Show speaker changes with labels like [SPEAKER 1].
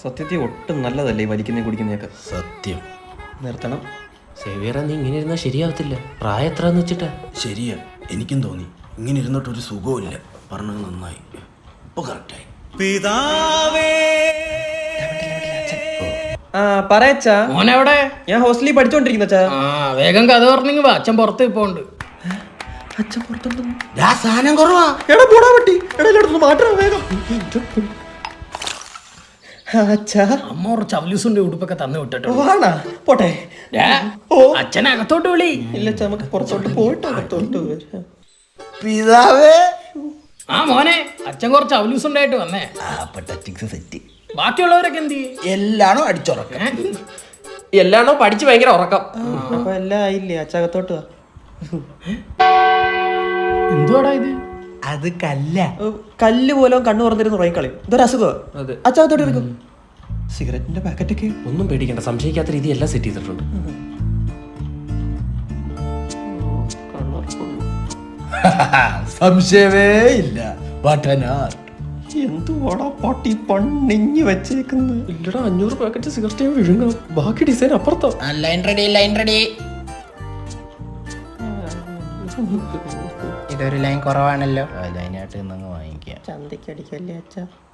[SPEAKER 1] സത്യത്തിൽ ഒട്ടും നല്ലതല്ലേ ഈ വലിക്കുന്നേ കുടിക്കുന്നതൊക്കെ.
[SPEAKER 2] സത്യം
[SPEAKER 1] നിർത്തണം.
[SPEAKER 2] സേവിയറ, നീ ഇങ്ങനെ ഇരുന്നാൽ ശരിയാവത്തില്ല. പ്രായം എത്രന്ന് വെച്ചിട്ടാ?
[SPEAKER 3] ശരിയാ, എനിക്കും തോന്നി. ഇങ്ങനെ ഇരുന്നിട്ടൊരു സുഖമില്ല. പറഞ്ഞത് നന്നായി, ഇപ്പൊ കറക്റ്റായി. പിതാവേ
[SPEAKER 1] പറയച്ചാ.
[SPEAKER 4] മോനെവിടെ?
[SPEAKER 1] ഞാൻ ഹോസ്റ്റലിൽ പഠിച്ചോണ്ടിരിക്കുന്ന അച്ഛാ.
[SPEAKER 4] വേഗം കഥ പറഞ്ഞെങ്കിൽ വാ, അച്ഛൻ പുറത്ത് ഇപ്പോണ്ട്.
[SPEAKER 1] അച്ഛൻ പുറത്തുണ്ടോ?
[SPEAKER 3] സാധനം കുറവാ.
[SPEAKER 1] എടാ പോടാ പറ്റി. എടാ എല്ലായിടത്തും മാറ്റണം വേഗം. അച്ഛാ,
[SPEAKER 4] അമ്മ കുറച്ച് അവലൂസിന്റെ ഉടുപ്പൊക്കെ തന്നു വിട്ടിട്ടോ.
[SPEAKER 1] വാണാ പോട്ടെ.
[SPEAKER 4] അച്ഛനെ അകത്തോട്ട് വിളി.
[SPEAKER 1] ഇല്ല അച്ഛാ, നമുക്ക് പുറത്തോട്ട് പോയിട്ട് അകത്തോട്ട് വരാം.
[SPEAKER 3] പിതാവേ.
[SPEAKER 4] മോനെ, അച്ഛൻ കുറച്ച് അവലൂസ് ഉണ്ടായിട്ട് വന്നേ.
[SPEAKER 3] സെറ്റ്.
[SPEAKER 4] ബാക്കിയുള്ളവരൊക്കെ എന്ത് ചെയ്യും?
[SPEAKER 3] എല്ലാണോ അടിച്ചുറക്കം,
[SPEAKER 1] എല്ലാണോ പഠിച്ച് ഭയങ്കര ഉറക്കം. അപ്പൊ എല്ലാം ആയില്ലേ? അച്ഛകത്തോട്ട് വാ.
[SPEAKER 4] എന്തുവാടാ ഇത്?
[SPEAKER 3] അത് കല്ല.
[SPEAKER 1] കല്ല് പോലും കണ്ണു തുറന്നിരുന്ന് ഉറങ്ങിക്കളയും. ഇതൊരു അസുഖമാണ്. അച്ഛകത്തോട്ട് എടുക്കും. സിഗരറ്റിന്റെ പാക്കറ്റൊക്കെ.
[SPEAKER 2] ഒന്നും പേടിക്കണ്ട, സംശയിക്കാത്ത രീതി എല്ലാം സെറ്റ് ചെയ്തിട്ടുണ്ട്.
[SPEAKER 3] സംശയമേ ഇല്ല. പഠനാർ
[SPEAKER 1] എന്തുവാടാ പട്ടി പണിഞ്ഞു വെച്ചേക്കുന്നത്?
[SPEAKER 2] ഇല്ലടാ, 500 പാക്കറ്റ് സിഗരറ്റ് വിഴുങ്ങാം. ബാക്കി ഡിസൈൻ അപ്പുറത്തോ.
[SPEAKER 4] Line ready, line ready.
[SPEAKER 3] ഇതൊരു ലൈൻ കുറവാണല്ലോ. ലൈനായിട്ട് വാങ്ങിക്കാം.
[SPEAKER 1] ചന്തയ്ക്ക് അടിക്കല്ലേ അച്ഛാ.